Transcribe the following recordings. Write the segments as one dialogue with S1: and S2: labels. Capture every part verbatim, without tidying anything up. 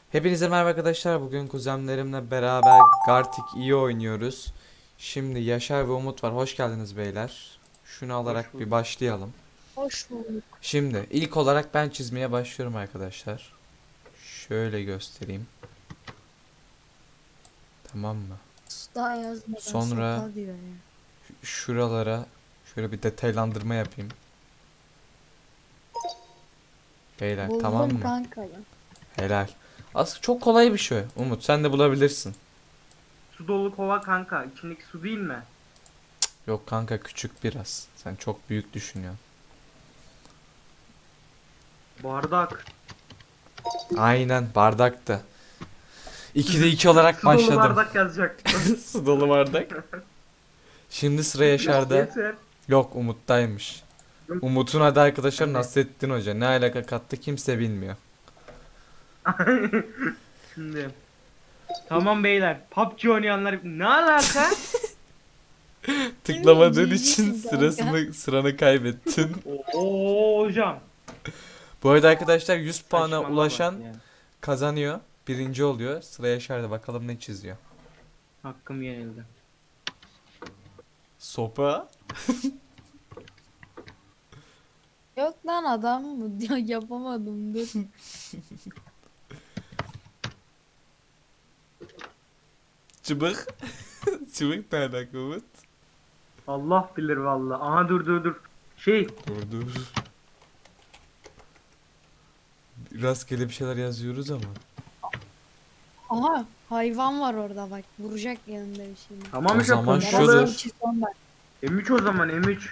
S1: Hepinize merhaba arkadaşlar. Bugün kuzenlerimle beraber Gartic iyi oynuyoruz. Şimdi Yaşar ve Umut var. Hoş geldiniz beyler. Şunu
S2: Hoş
S1: alarak bir
S2: bulduk.
S1: başlayalım.
S3: Hoş bulduk.
S1: Şimdi ilk olarak ben çizmeye başlıyorum arkadaşlar. Şöyle göstereyim. Tamam mı?
S3: Daha yazmadan
S1: Sonra
S3: sopa diyor ya.
S1: şuralara şöyle bir detaylandırma yapayım. Beyler tamam
S3: Buldum
S1: mı?
S3: kanka ya.
S1: Helal. Aslında çok kolay bir şey. Umut sen de bulabilirsin.
S2: Su dolu kova kanka. İçindeki su değil mi?
S1: Yok kanka küçük biraz. Sen çok büyük düşünüyorsun.
S2: Bardak.
S1: Aynen bardaktı. ikide iki olarak
S2: Su dolu
S1: başladım.
S2: bardak yazacak.
S1: Su dolu bardak. Şimdi sıra Yaşar'da.
S2: Yeter.
S1: Yok Umut'taymış. Umut'un adı arkadaşlar Nasrettin Hoca. Ne alaka kattı kimse bilmiyor.
S2: Şimdi. Tamam beyler. P U B G oynayanlar ne alaka?
S1: Tıklamadığın için
S3: Cicisin kanka.
S1: sırasını sıranı kaybettin.
S2: Oo hocam.
S1: Bu arada arkadaşlar yüz puana
S2: Saçmalama
S1: ulaşan
S2: ya.
S1: kazanıyor. Birinci oluyor. Sıra Yaşar'da bakalım ne çiziyor.
S2: Hakkım yenildi.
S1: Sopa.
S3: Yok lan adam mı diyor yapamadım dur.
S1: Çıbık. Çıbık ne alaka Umut?
S2: Allah bilir valla. Aha dur dur dur. Şey.
S1: Dur dur. Rastgele bir şeyler yazıyoruz ama.
S3: Aha hayvan var orada bak vuracak yanında bir şey.
S2: Tamam
S1: O
S2: işte
S1: zaman
S2: pompalı.
S1: şudur.
S3: Yarasını çiz ondan.
S2: M üç o zaman M üç.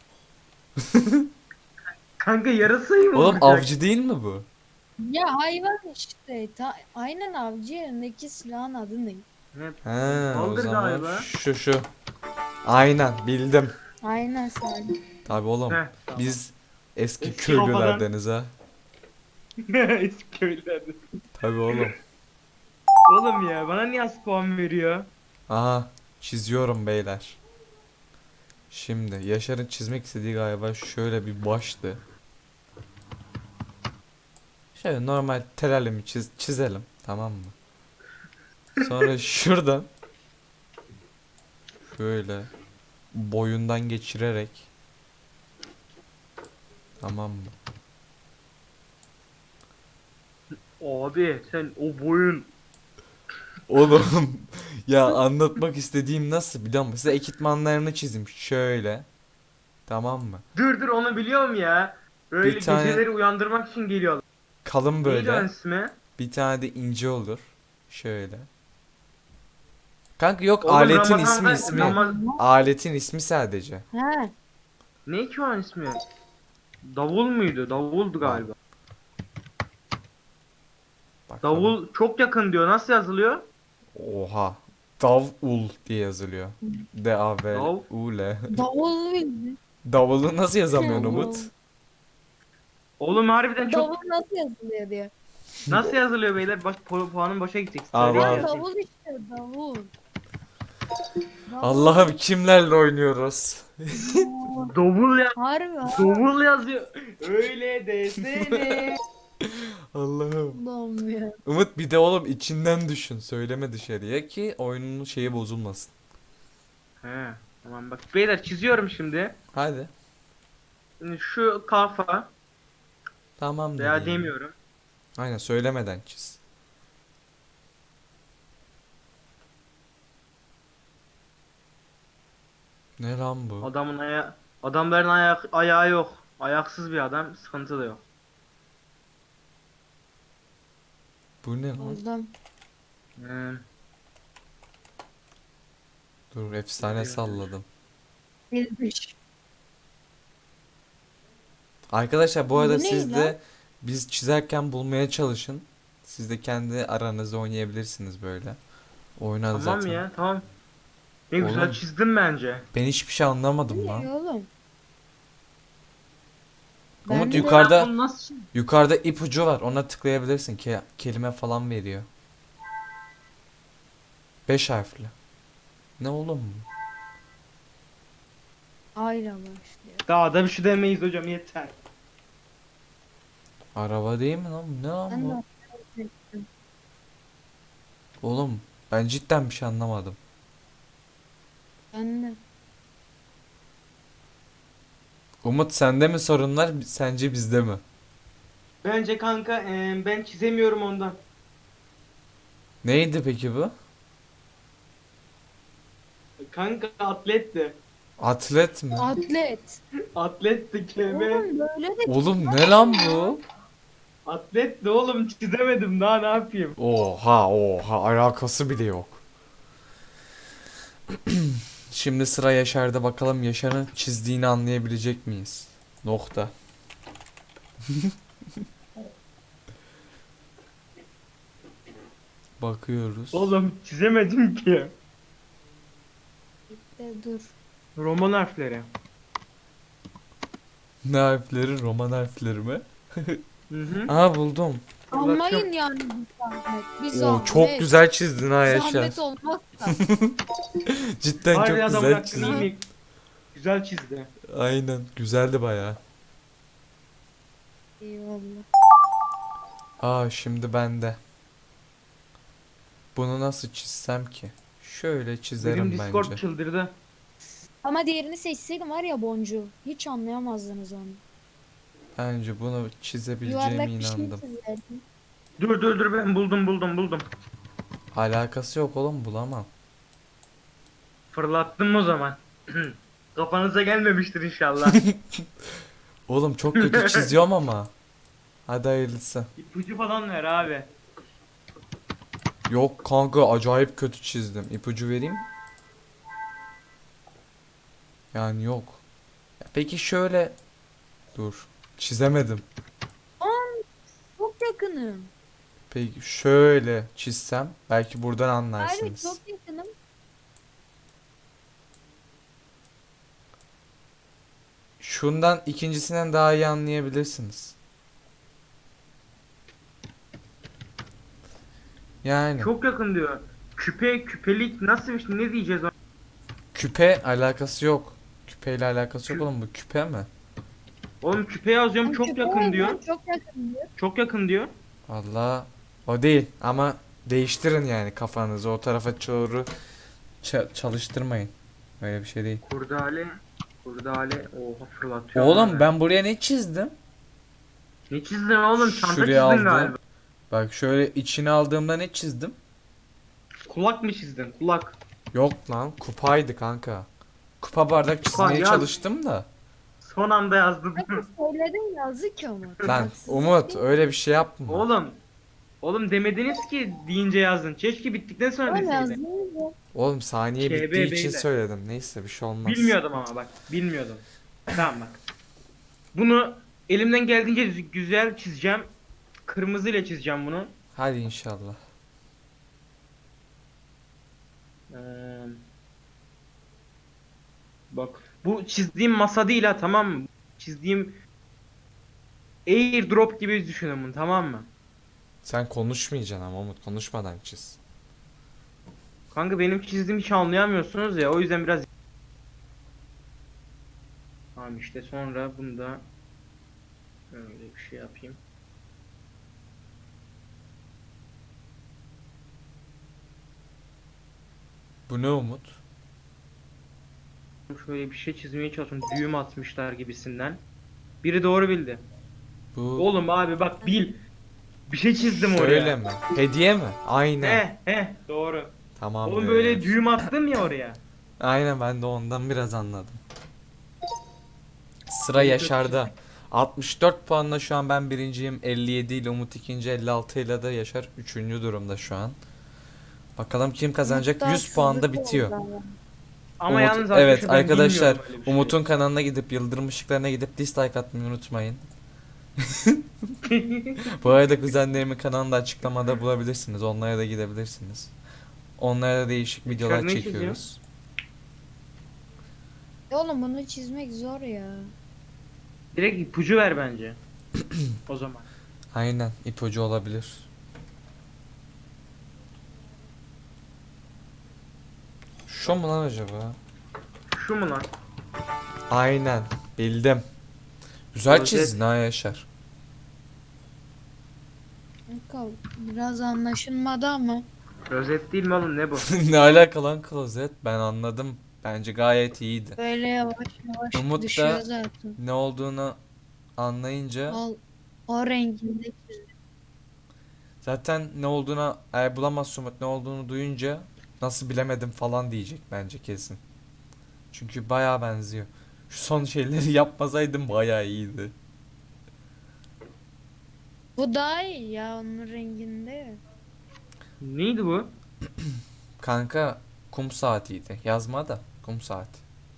S2: Kanka yarasayı mı
S1: Oğlum
S2: vuracak?
S1: avcı değil mi bu?
S3: Ya hayvan işte. Ta aynen avcı yanındaki silahın adı ne?
S2: Ne?
S1: He, o
S2: Pompalıdır
S1: zaman
S2: galiba.
S1: şu şu. Aynen bildim.
S3: Aynen sen.
S1: Tabi oğlum.
S2: Heh, tamam.
S1: Biz eski
S2: Eski
S1: köylülerdeniz ha.
S2: Eski köylerde.
S1: Tabi oğlum.
S2: Oğlum ya bana niye az puan veriyor?
S1: Aha çiziyorum beyler. Şimdi Yaşar'ın çizmek istediği galiba şöyle bir baştı. Şöyle normal telalimi çiz çizelim tamam mı? Sonra şuradan şöyle boyundan geçirerek tamam mı?
S2: Abi sen o boyun.
S1: Oğlum ya anlatmak istediğim nasıl biliyor musun? Size ekipmanlarını çizim şöyle. Tamam mı?
S2: Dur dur onu biliyorum ya. Böyle
S1: Bir tane
S2: geceleri uyandırmak için geliyorlar.
S1: kalın
S2: Neydi onun
S1: böyle.
S2: ismi?
S1: Bir tane de ince olur. Şöyle. Kanka yok
S2: Oğlum
S1: aletin ismi
S2: Ramazan'da
S1: ismi.
S2: Ramaz...
S1: Aletin ismi sadece.
S3: He.
S2: Ne ki onun ismi? Davul muydu? Davuldu
S1: Bak,
S2: galiba.
S1: bakalım.
S2: Davul çok yakın diyor. Nasıl yazılıyor?
S1: Oha. Davul diye yazılıyor. D A V
S2: Dav.
S1: U L.
S3: Davul bildi.
S1: Davulu nasıl yazamıyorsun Umut?
S2: Oğlum harbiden çok...
S3: Davul nasıl yazılıyor diyor.
S2: Nasıl yazılıyor beyler? Baş, pu- puanın boşa gidecek.
S1: Al,
S2: Söyleyin
S1: al.
S3: Lan
S2: yazayım.
S3: davul işte davul. Davul.
S1: Allah'ım kimlerle oynuyoruz?
S2: Davul ya.
S3: Harbi ha.
S2: Davul yazıyor. Öyle desene.
S1: Allah'ım.
S3: Allah'ım ya.
S1: Umut bir de oğlum içinden düşün. Söyleme dışarıya ki oyunun şeyi bozulmasın.
S2: He. Tamam bak. Beyler çiziyorum şimdi.
S1: Hadi.
S2: Şimdi şu kafa
S1: Tamam
S2: veya
S1: dediğim.
S2: demiyorum.
S1: Aynen söylemeden çiz. Ne lan bu?
S2: Adamın aya adamların ayak ayağı yok. Ayaksız bir adam, sıkıntı da yok.
S1: Bu ne lan?
S3: Buldum.
S2: Ee,
S1: Dur efsane salladım.
S3: Bilmiş.
S1: Arkadaşlar bu
S3: Bu
S1: arada
S3: ne
S1: siz
S3: lan?
S1: de biz çizerken bulmaya çalışın. Siz de kendi aranızda oynayabilirsiniz böyle. Oynar
S2: tamam
S1: zaten.
S2: ya, tamam. Ne güzel
S1: Oğlum
S2: çizdim bence.
S1: ben hiçbir şey anlamadım
S3: Bu
S1: lan.
S3: ne oğlum?
S1: Umut
S3: Ben de-
S1: yukarıda
S2: Ben bunu nasıl
S1: yukarıda ipucu var. Ona tıklayabilirsin ki kelime falan veriyor. Beş harfli. Ne oğlum bu?
S3: Ayla başlıyor.
S2: Daha da bir şey demeyiz hocam yeter.
S1: Araba değil mi lan? Ne lan
S3: Ben
S1: bu?
S3: de hatırladım.
S1: Oğlum ben cidden bir şey anlamadım.
S3: Ben de.
S1: Umut sende mi sorunlar sence bizde mi?
S2: Bence kanka e, ben çizemiyorum ondan.
S1: Neydi peki bu?
S2: Kanka atletti.
S1: Atlet mi?
S3: Atlet.
S2: Atletti kelime.
S3: Oğlum böyle de
S1: Oğlum ne lan bu?
S2: Atletti oğlum, çizemedim daha ne yapayım.
S1: Oha oha alakası bile yok. Şimdi sıra Yaşar'da, bakalım Yaşar'ın çizdiğini anlayabilecek miyiz? Nokta. Bakıyoruz.
S2: Oğlum çizemedim ki.
S3: de dur.
S2: Roman harfleri.
S1: Ne harfleri? Roman harfleri mi?
S2: Hı hı.
S1: Aha buldum.
S3: Almayın yani bir zahmet. Bir
S1: Oo,
S3: zahmet.
S1: çok güzel çizdin ha Yaşar.
S3: Zahmet olmazsa.
S1: Cidden
S2: Harbi
S1: çok
S2: adamın
S1: güzel
S2: hakkını
S1: çizdin.
S2: yemek. Güzel çizdi.
S1: Aynen güzeldi bayağı.
S3: Eyvallah.
S1: Aa şimdi bende. Bunu nasıl çizsem ki? Şöyle
S2: Benim
S1: çizerim
S2: Discord
S1: bence.
S2: çıldırdı.
S3: Ama diğerini seçseydim var ya boncuğu. Hiç anlayamazdınız onu.
S1: Bence bunu çizebileceğime
S3: Yuvarlak bir şey
S1: inandım.
S3: çizerdim.
S2: Dur dur dur, ben buldum buldum buldum.
S1: Alakası yok oğlum, bulamam.
S2: Fırlattım o zaman. Kafanıza gelmemiştir inşallah.
S1: Oğlum çok kötü çiziyorum ama. Hadi hayırlısı.
S2: İpucu falan ver abi.
S1: Yok kanka acayip kötü çizdim. İpucu vereyim. Yani yok. Ya peki şöyle. Dur. Çizemedim.
S3: Çok yakınım.
S1: Peki şöyle çizsem belki buradan
S3: Hayır
S1: anlarsınız.
S3: çok yakınım.
S1: Şundan ikincisinden daha iyi anlayabilirsiniz. Yani
S2: Çok yakın diyor. Küpe, küpelik nasıl bir şey, ne diyeceğiz ona?
S1: küpe alakası yok. Küpeyle alakası yok
S2: Kü-
S1: oğlum, bu küpe mi?
S2: Oğlum küpe yazıyorum, çok
S3: Çünkü
S2: yakın
S3: bu
S2: diyor.
S3: yüzden çok yakın diyor.
S2: Çok yakın diyor.
S1: Valla o değil ama değiştirin yani kafanızı o tarafa doğru ça- çalıştırmayın. Öyle bir şey değil.
S2: Kurdale. Kurdale. Oha fırlatıyor.
S1: Oğlum
S2: abi.
S1: ben buraya ne çizdim?
S2: Ne çizdin oğlum? Çanta
S1: Şuraya
S2: çizdin
S1: aldım.
S2: galiba.
S1: Bak şöyle içine aldığımda ne çizdim?
S2: Kulak mı çizdin? Kulak.
S1: Yok lan, kupaydı kanka. Kupa bardak çizmeye
S2: yaz.
S1: çalıştım da.
S2: Son anda yazdım.
S3: Bakın söyledim yazık ama.
S1: Lan
S3: Haksızlık
S1: Umut
S3: değil.
S1: öyle bir şey yapma.
S2: Oğlum. Oğlum demediniz ki deyince yazdın. Keşke bittikten sonra
S3: Öyle
S2: deseydin.
S3: yazdınız ya.
S1: Oğlum saniye
S2: K B
S1: bittiği için
S2: beyler.
S1: söyledim. Neyse bir şey olmaz.
S2: Bilmiyordum ama bak. Bilmiyordum. Tamam bak. Bunu elimden geldiğince düz- güzel çizeceğim. Kırmızı ile çizeceğim bunu.
S1: Hadi inşallah.
S2: Ee, bak. Bu çizdiğim masa değil ha, tamam mı? Çizdiğim airdrop gibi düşünün bunu, tamam mı?
S1: Sen konuşmayacaksın ama Umut, konuşmadan çiz.
S2: Kanka benim çizdiğimi hiç anlayamıyorsunuz ya, o yüzden biraz. Tamam işte, sonra bunu da öyle bir şey yapayım.
S1: Bu ne Umut?
S2: Şöyle bir şey çizmeye çalışıyorum. Düğüm atmışlar gibisinden. Biri doğru bildi.
S1: Bu
S2: Oğlum abi bak, bil. Bir şey çizdim oraya.
S1: şöyle mi? Hediye mi? Aynen.
S2: He he doğru.
S1: Tamam.
S2: Oğlum böyle düğüm attım ya oraya.
S1: Aynen, ben de ondan biraz anladım. Sıra
S2: İyi,
S1: Yaşar'da. altmış dört puanla şu an ben birinciyim. elli yedi ile Umut ikinci, elli altı ile de Yaşar üçüncü durumda şu an. Bakalım kim kazanacak?
S3: Hatta
S1: yüz puanda
S3: haksızlık
S1: bitiyor.
S3: oldu ama.
S2: Ama
S1: Umut-
S2: yalnız
S1: evet
S2: arkadaşlar ben
S1: arkadaşlar,
S2: bilmiyorum öyle bir şey.
S1: Umut'un kanalına gidip yıldırım ışıklarına gidip dislike atmayı unutmayın. Bu arada kuzenlerimin kanalında açıklamada bulabilirsiniz. Onlara da gidebilirsiniz. Onlara da değişik
S2: Yaşar
S1: videolar
S2: ne
S1: çekiyoruz.
S3: Ya oğlum bunu çizmek zor ya.
S2: Direkt ipucu ver bence. O zaman.
S1: Aynen, ipucu olabilir. Şu mu lan acaba?
S2: Şu mu lan?
S1: Aynen, bildim. Güzel
S2: Rozet.
S1: çizdin ha Yaşar.
S3: Kanka biraz anlaşılmadı ama.
S2: Rozet değil mi oğlum, ne bu?
S1: Ne alaka lan klozet? Ben anladım. Bence gayet iyiydi.
S3: Böyle yavaş yavaş
S1: Umut
S3: düşüyor
S1: da
S3: zaten.
S1: ne olduğunu anlayınca
S3: Al o renginde çiz.
S1: zaten ne olduğunu eğer bulamaz Umut ne olduğunu duyunca nasıl bilemedim falan diyecek bence kesin. Çünkü bayağı benziyor. Şu son şeyleri yapmasaydım bayağı iyiydi.
S3: Bu daha iyi ya onun renginde.
S2: Neydi bu?
S1: Kanka kum saatiydi. Yazma da kum saati.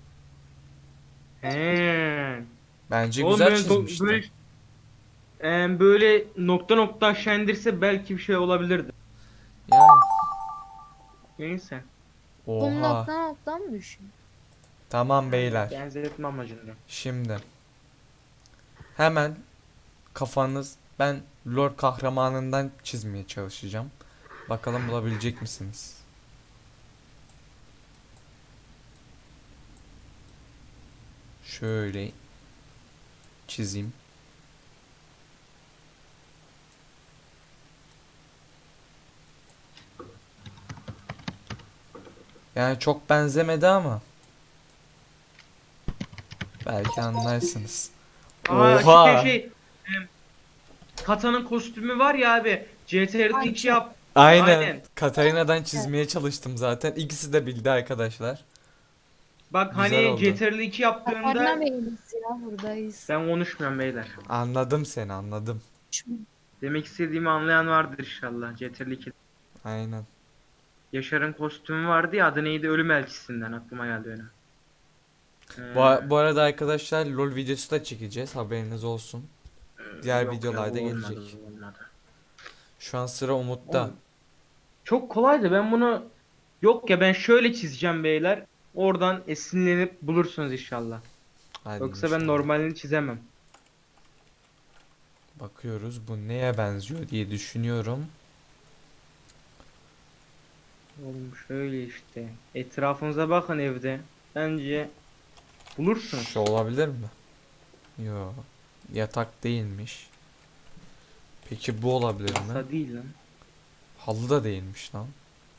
S2: He.
S1: Bence
S2: Oğlum
S1: güzel
S2: böyle, do-
S1: çizmişti.
S2: böyle, e, böyle nokta nokta aşağı indirse belki bir şey olabilirdi.
S1: Yani.
S2: Neyse.
S3: Kum
S1: Oha.
S3: nokta nokta mı düşüyor?
S1: Tamam beyler.
S2: Benzetme amacında.
S1: Şimdi hemen kafanız ben lore kahramanından çizmeye çalışacağım. Bakalım bulabilecek misiniz? Şöyle çizeyim. Yani çok benzemedi ama belki anlarsınız.
S2: Aa
S1: Oha!
S2: şey şey. e, Kata'nın kostümü var ya abi. C T R'de iki
S3: Ayça.
S2: yap.
S1: Aynen.
S2: Aynen.
S1: Katarina'dan çizmeye çalıştım zaten. İkisi de bildi arkadaşlar.
S2: Bak
S1: Güzel
S2: hani
S1: oldu.
S2: C T R'de iki
S3: Katarina
S2: yaptığında
S3: Bey'imiz ya buradayız.
S2: ben konuşmuyorum beyler.
S1: Anladım seni, anladım.
S2: Demek istediğimi anlayan vardır inşallah. C T R'de iki.
S1: Aynen.
S2: Yaşar'ın kostümü vardı ya, adı neydi? Ölüm Elçisinden aklıma geldi öyle.
S1: Bu, bu arada arkadaşlar LoL videosu da çekeceğiz. Haberiniz olsun. Diğer
S2: Yok ya,
S1: videolarda
S2: bu olmadı,
S1: gelecek.
S2: bu olmadı.
S1: Şu an sıra Umut'ta.
S2: Oğlum, çok kolaydı. Ben bunu yok ya, ben şöyle çizeceğim beyler. Oradan esinlenip bulursunuz inşallah.
S1: Hadi
S2: Yoksa ben
S1: inşallah.
S2: normalini çizemem.
S1: Bakıyoruz bu neye benziyor diye düşünüyorum.
S2: Oğlum şöyle işte. Etrafınıza bakın evde. Bence bulursunuz.
S1: Şu olabilir mi? Yo. Yatak değilmiş. Peki bu olabilir mi?
S2: Masa değil lan.
S1: Halı da değilmiş lan.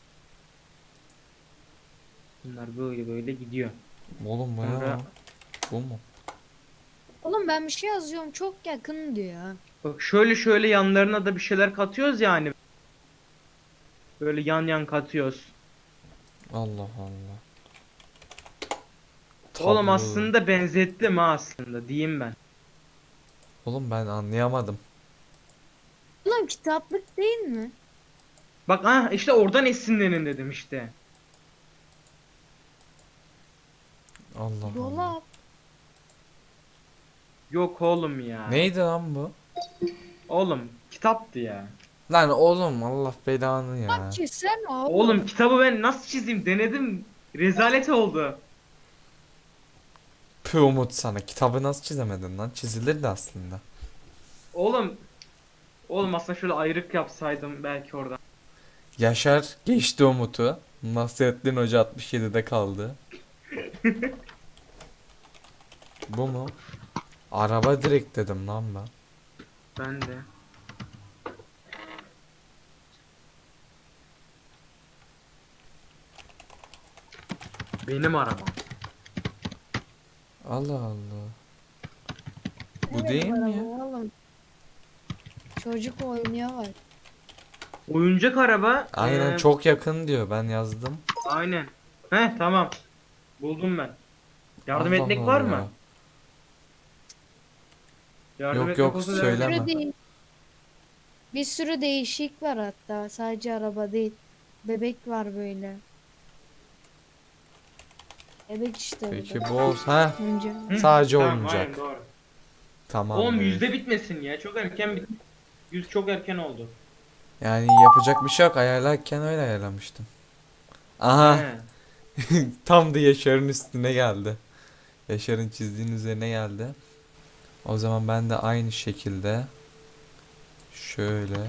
S2: Bunlar böyle böyle gidiyor.
S1: Oğlum bu ne
S2: Sonra-
S1: lan? Bu mu?
S3: Oğlum ben bir şey yazıyorum çok yakın diyor.
S2: Bak şöyle şöyle yanlarına da bir şeyler katıyoruz yani. Böyle yan yan katıyoruz.
S1: Allah Allah.
S2: Oğlum
S1: Tablo.
S2: aslında benzettim ha, aslında diyeyim ben.
S1: Oğlum ben anlayamadım.
S3: Oğlum kitaplık değil mi?
S2: Bak ha işte oradan esinlenin dedim işte.
S1: Allah Allah.
S3: Dolap.
S2: Yok oğlum ya.
S1: Neydi lan bu?
S2: Oğlum kitaptı ya.
S1: Lan oğlum Allah belanı ya.
S3: Bak çizsene oğlum.
S2: Oğlum kitabı ben nasıl çizeyim, denedim. Rezalet oldu.
S1: Pü Umut sana. Kitabı nasıl çizemedin lan? Çizilirdi aslında.
S2: Oğlum. Oğlum aslında şöyle ayrık yapsaydım belki oradan.
S1: Yaşar geçti Umut'u. Nasrettin Hoca altmış yedide kaldı. Bu mu? Araba direkt dedim lan ben.
S2: Ben de. Benim arabam.
S1: Allah Allah. Bu
S3: Evet,
S1: değil mi
S3: araba
S1: ya?
S3: Oğlum. Çocuk oynuyor var.
S2: Oyuncak araba.
S1: Aynen
S2: ee,
S1: çok yakın diyor. Ben yazdım.
S2: Aynen. Heh tamam. Buldum ben. Yardım
S1: Allah
S2: etmek
S1: Allah
S2: var
S1: ya.
S2: mı? Yardım
S1: Yok,
S2: etmek
S1: yok,
S2: olsa
S1: söyle.
S2: derdim.
S3: Bir
S1: Bilemem.
S3: sürü, değil- bir sürü değişik var hatta. Sadece araba değil. Bebek var böyle. Bebek işte
S1: Peki
S3: burada.
S1: bu olsun. Ha,
S3: Önce.
S2: Hı,
S1: sadece
S2: tamam,
S1: oyuncak.
S2: aynen, doğru.
S1: Tamam.
S2: Oğlum
S1: be.
S2: yüzde bitmesin ya. Çok erken bit. Yüz çok erken oldu.
S1: Yani yapacak bir şey yok. Ayarlarken öyle ayarlamıştım. Aha.
S2: He.
S1: Tam da Yaşar'ın üstüne geldi. Yaşar'ın çizdiğinin üzerine geldi. O zaman ben de aynı şekilde şöyle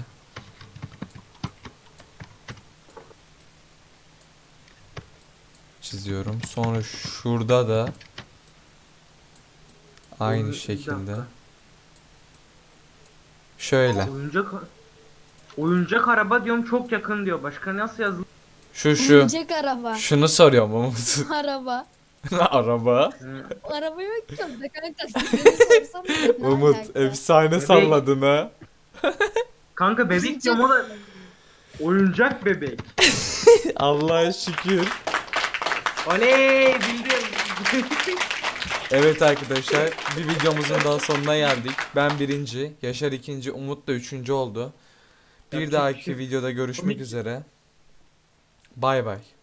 S1: çiziyorum. Sonra şurada da aynı
S2: Bir
S1: şekilde
S2: dakika.
S1: şöyle.
S2: Oyuncak Oyuncak araba diyorum, çok yakın diyor. Başka nasıl yazılı?
S1: Şu şu.
S3: Oyuncak araba.
S1: Şunu soruyorum Umut.
S3: Araba.
S1: Araba.
S2: Hı.
S3: Araba yok ki orada kanka. Seni sorsam ne
S1: Umut
S3: alaka?
S1: efsane
S2: Bebek.
S1: salladın ha.
S2: Kanka bebek
S3: Oyuncak
S2: diyorum, o da
S3: araba.
S2: oyuncak bebek.
S1: Allah'a şükür.
S2: Oley, bildim.
S1: Evet arkadaşlar, bir videomuzun daha sonuna geldik. Ben birinci, Yaşar ikinci, Umut da üçüncü oldu. Bir
S2: Yapacak bir
S1: dahaki
S2: şey yok.
S1: videoda görüşmek
S2: Komik.
S1: üzere. Bay bay.